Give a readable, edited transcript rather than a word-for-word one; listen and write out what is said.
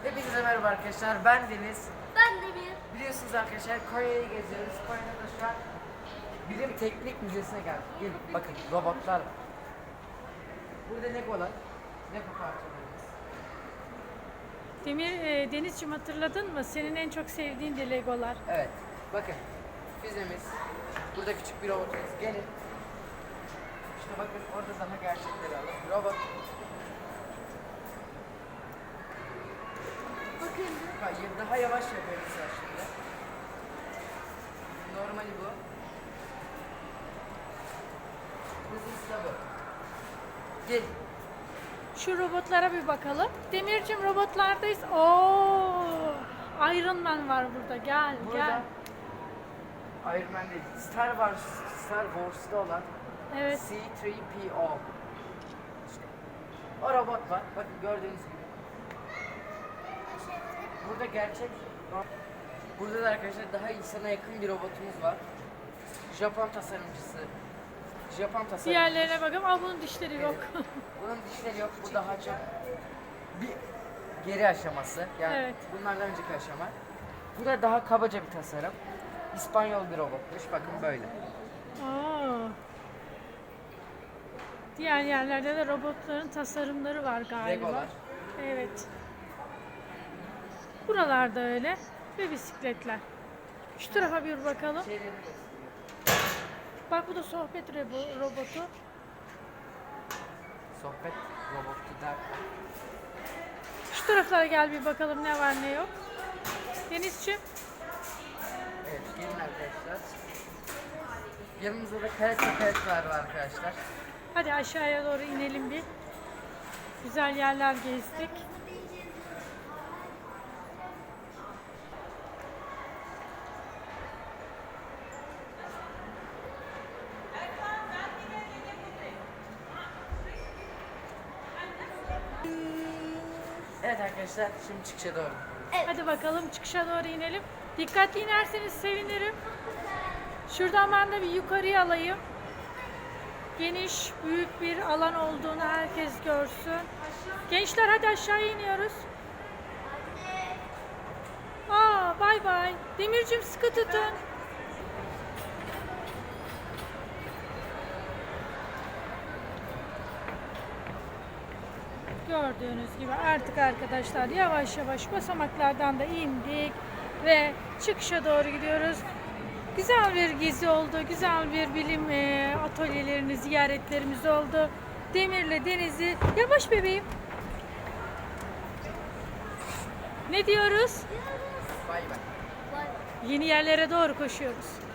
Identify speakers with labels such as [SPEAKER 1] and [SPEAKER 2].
[SPEAKER 1] Hepinize merhaba arkadaşlar, ben Deniz.
[SPEAKER 2] Ben de bir.
[SPEAKER 1] Biliyorsunuz arkadaşlar Konya'yı geziyoruz. Konya'da da şu an Bilim Teknik Müzesi'ne geldik. Gelin bakın robotlar var. Burada Legolar, Lego parçalarımız.
[SPEAKER 3] Denizciğim, hatırladın mı? Senin en çok sevdiğin de Legolar.
[SPEAKER 1] Evet, bakın füzemiz. Burada küçük bir robotumuz. Gelin. İşte bakın orada daha gerçekleri alın. Robot.
[SPEAKER 2] Bakın.
[SPEAKER 1] Hayır, daha yavaş yapıyoruz mesela şimdi. Normali bu. Hızlısı da bu. Gel.
[SPEAKER 3] Şu robotlara bir bakalım. Demirciğim, robotlardayız. Oo! Iron Man var burada. Gel,
[SPEAKER 1] Burada
[SPEAKER 3] gel.
[SPEAKER 1] Iron Man değil, Star Wars'ta olan
[SPEAKER 3] Evet.
[SPEAKER 1] C-3PO. İşte o robot var. Bakın gördüğünüz gibi. Burada gerçek. Burada da arkadaşlar daha insana yakın bir robotumuz var. Japon tasarımcısı. Japon tasarımcısı.
[SPEAKER 3] Diğerlerine bakalım. Aa, bunun dişleri yok.
[SPEAKER 1] Bunun dişleri yok. Bu daha çok bir geri aşaması. Yani
[SPEAKER 3] Evet.
[SPEAKER 1] bunlardan önceki aşama. Bu da daha kabaca bir tasarım. İspanyol bir robotmuş. Bakın böyle.
[SPEAKER 3] Oo. Diğer yerlerde de robotların tasarımları var galiba.
[SPEAKER 1] Legolar.
[SPEAKER 3] Evet. Buralarda öyle. Ve bisikletler. Şu tarafa bir bakalım.
[SPEAKER 1] Şeyleri
[SPEAKER 3] Bak, bu da sohbet robotu.
[SPEAKER 1] sohbet robotu da.
[SPEAKER 3] Şu taraflara gel bir bakalım ne var ne yok. Denizciğim.
[SPEAKER 1] Evet, gelin arkadaşlar. Yanımızda da karetler var arkadaşlar.
[SPEAKER 3] Hadi aşağıya doğru inelim bir. Güzel yerler gezdik.
[SPEAKER 1] Evet arkadaşlar, şimdi çıkışa doğru.
[SPEAKER 3] Hadi bakalım çıkışa doğru inelim. Dikkatli inerseniz sevinirim. Şuradan ben de bir yukarıya alayım. Geniş, büyük bir alan olduğunu herkes görsün. Gençler, hadi aşağıya iniyoruz. Aa, bay bay. Demircim, sıkı tutun. Gördüğünüz gibi artık arkadaşlar yavaş yavaş basamaklardan da indik ve çıkışa doğru gidiyoruz. Güzel bir gezi oldu, güzel bir bilim atölyelerini ziyaretlerimiz oldu. Demir'le Deniz'i, yavaş bebeğim. Ne diyoruz?
[SPEAKER 1] Bay bay.
[SPEAKER 3] Yeni yerlere doğru koşuyoruz.